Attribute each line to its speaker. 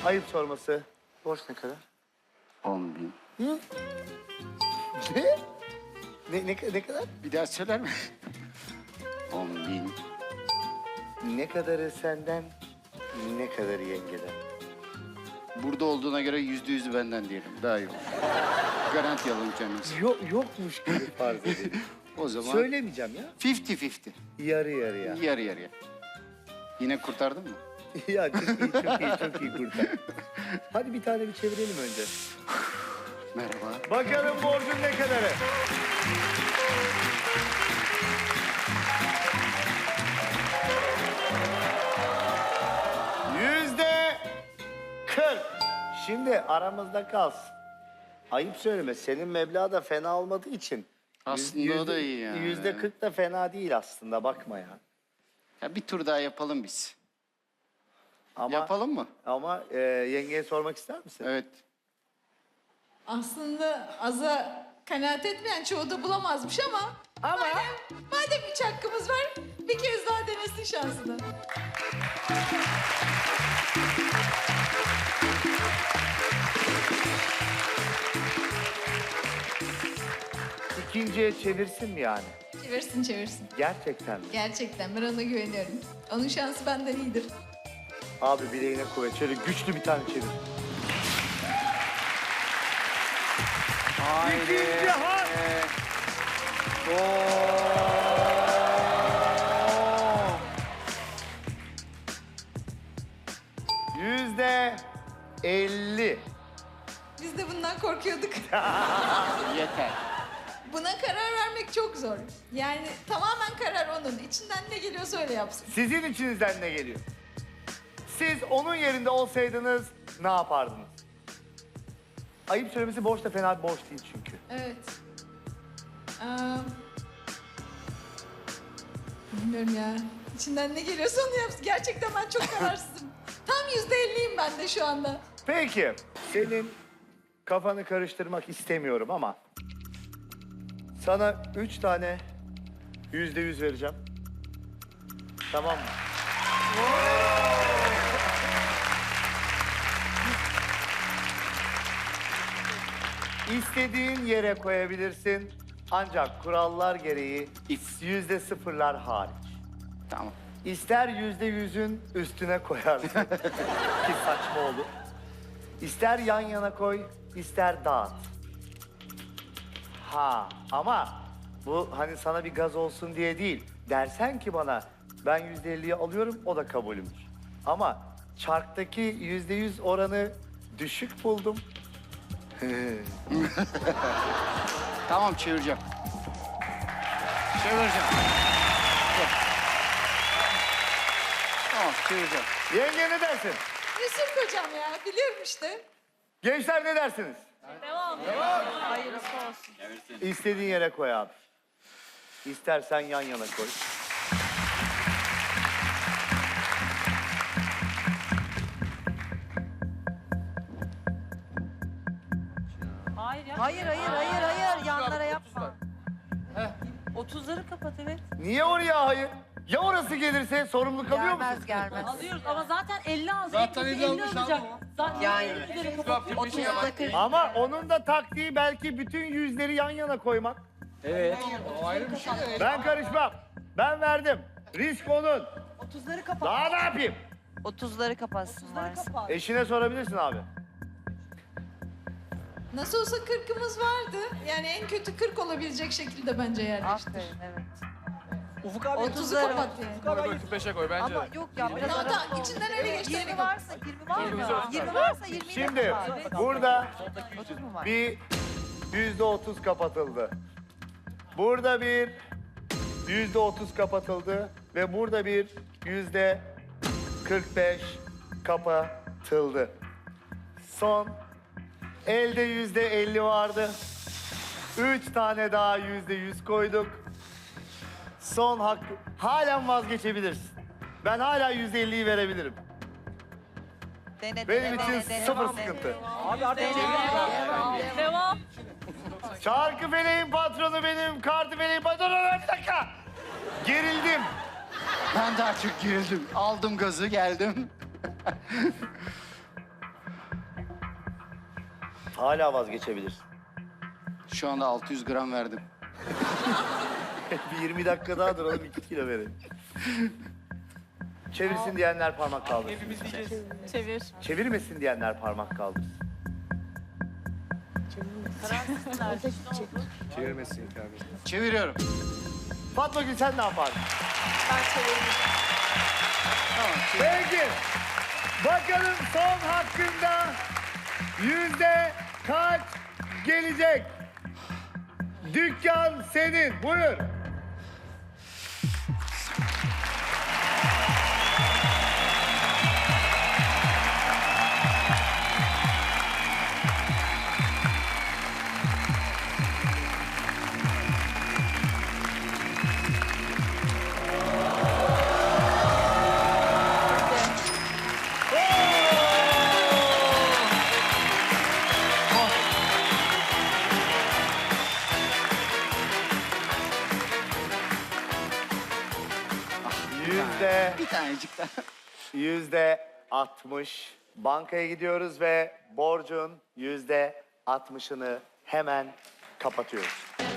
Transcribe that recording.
Speaker 1: Ayıp sorması. Borç ne kadar?
Speaker 2: 10.000.
Speaker 1: Hı? Ne kadar?
Speaker 2: Bir daha söyler mi? 10.000.
Speaker 1: Ne kadarı senden, ne kadarı yengeden?
Speaker 2: Burada olduğuna göre %100'ü benden diyelim. Daha iyi olur. Garanti alalım kendimizi.
Speaker 1: Yokmuş gibi farz edelim.
Speaker 2: O zaman
Speaker 1: Söylemeyeceğim ya.
Speaker 2: 50-50.
Speaker 1: Yarı yarıya.
Speaker 2: Yarı yarıya. Yine kurtardın mı?
Speaker 1: Ya çok iyi kurtar. Hadi bir tane bir çevirelim önce.
Speaker 2: Merhaba.
Speaker 1: Bakalım borcun ne kadarı? %40. Şimdi aramızda kalsın. Ayıp söyleme, senin meblağ da fena olmadığı için.
Speaker 2: Aslında o da iyi yani.
Speaker 1: %40 da fena değil aslında, bakma ya.
Speaker 2: Ya bir tur daha yapalım biz.
Speaker 1: Ama,
Speaker 2: Yapalım mı?
Speaker 1: Ama yengeye sormak ister misin?
Speaker 2: Evet.
Speaker 3: Aslında aza kanaat etmeyen çoğu da bulamazmış ama... Madem üç hakkımız var, bir kez daha denesin şansını.
Speaker 1: İkinciye çevirsin mi yani?
Speaker 3: Çevirsin çevirsin.
Speaker 1: Gerçekten mi?
Speaker 3: Gerçekten ben ona güveniyorum. Onun şansı benden iyidir.
Speaker 1: Abi bileğine kuvvet. Şöyle güçlü bir tane çevir. İkinci hak. %50.
Speaker 3: Biz de bundan korkuyorduk.
Speaker 2: Yeter.
Speaker 3: Buna karar vermek çok zor. Yani tamamen karar onun. İçinden ne geliyorsa öyle yapsın.
Speaker 1: Sizin içinizden ne geliyor? Siz onun yerinde olsaydınız ne yapardınız? Ayıp söylemesi borç da fena bir borç değil çünkü.
Speaker 3: Evet. Bilmiyorum ya. İçinden ne geliyorsa onu yapsın. Gerçekten ben çok kararsızım. Tam %50'yim ben de şu anda.
Speaker 1: Peki, senin kafanı karıştırmak istemiyorum ama sana 3 tane %100 vereceğim. Tamam mı? İstediğin yere koyabilirsin. Ancak kurallar gereği %0'lar hariç.
Speaker 2: Tamam.
Speaker 1: İster %100'ün üstüne koyarsın ki saçma olur. İster yan yana koy, ister dağıt. Ha ama bu hani sana bir gaz olsun diye değil. Dersen ki bana ben %50'yi alıyorum, o da kabulümdür. Ama çarktaki %100 oranı düşük buldum.
Speaker 2: Tamam çevireceğim. Çevireceğim. Tamam çevireceğim.
Speaker 1: Yenge ne dersin?
Speaker 3: Yusuf hocam ya biliyorum işte.
Speaker 1: Gençler ne dersiniz?
Speaker 4: Devam. Hayırlısı olsun.
Speaker 1: İstediğin yere koy abi. İstersen yan yana koy.
Speaker 4: Hayır ya.
Speaker 5: Hayır. Yanlara yapma.
Speaker 4: 30'ları kapat evet.
Speaker 1: Niye oraya hayır? Ya orası gelirse sorumlu kalıyor musun?
Speaker 5: Gelmez.
Speaker 4: Alıyoruz ama zaten 50 az.
Speaker 6: Zaten
Speaker 4: 50
Speaker 6: 50 almış
Speaker 4: olacak.
Speaker 6: ama.
Speaker 4: Zaten
Speaker 5: Yani.
Speaker 4: 50'leri kapat.
Speaker 5: 30'da 40.
Speaker 1: Ama onun da taktiği belki bütün yüzleri yan yana koymak.
Speaker 6: O ayrı bir şey de.
Speaker 1: Ben karışmam. Ben verdim. Risk onun.
Speaker 5: 30'ları kapat.
Speaker 1: Daha ne yapayım?
Speaker 5: 30'ları kapatsın varsa.
Speaker 1: Eşine sorabilirsin abi.
Speaker 3: Nasıl olsa 40'ımız vardı. Yani en kötü 40 olabilecek şekilde bence yerleştir.
Speaker 5: Aferin evet.
Speaker 6: Ufuk abi
Speaker 3: 30'u kapat yani.
Speaker 6: koy 45'e koy bence.
Speaker 5: Ama yok ya biraz
Speaker 3: Tamam
Speaker 5: daha.
Speaker 3: tamam içinden öyle geçti.
Speaker 5: 20 varsa 20 var mı? 20 varsa 20'yi
Speaker 1: Şimdi
Speaker 5: de kapat.
Speaker 1: burada
Speaker 5: 30 mu var?
Speaker 1: bir %30 kapatıldı. Burada bir %30 kapatıldı ve burada bir %45 kapatıldı. Son elde %50 vardı. 3 tane daha %100 koyduk. Son hakkı halen vazgeçebilirsin. Ben hala %50'yi verebilirim.
Speaker 5: Dene,
Speaker 1: Benim
Speaker 5: dene,
Speaker 1: için
Speaker 5: dene, dene,
Speaker 1: sıfır
Speaker 5: dene.
Speaker 1: sıkıntı.
Speaker 6: Abi artık
Speaker 4: Devam.
Speaker 1: Çarkı feleğin patronu benim, kartı feleğin patronu. Bir dakika. Gerildim.
Speaker 2: Ben daha çok gerildim. Aldım gazı geldim.
Speaker 1: Hala vazgeçebilirsin.
Speaker 2: Şu anda 600 gram verdim.
Speaker 1: Bir 20 dakika daha duralım 2 kilo verelim. Çevirsin diyenler parmak kaldırsın.
Speaker 6: Hepimiz diyeceğiz.
Speaker 4: Çevir.
Speaker 1: Çevirmesin diyenler parmak kaldırsın.
Speaker 6: Çevirmesin kardeşim.
Speaker 2: Çeviriyorum.
Speaker 1: Fatma Gül sen ne yapardın?
Speaker 4: Ben çeviririm.
Speaker 2: Tamam.
Speaker 1: Peki. Bakalım son hakkında yüzde kaç gelecek? Dükkan senin. Buyur.
Speaker 2: Bir tanecik daha.
Speaker 1: %60. Bankaya gidiyoruz ve borcun %60'ını hemen kapatıyoruz.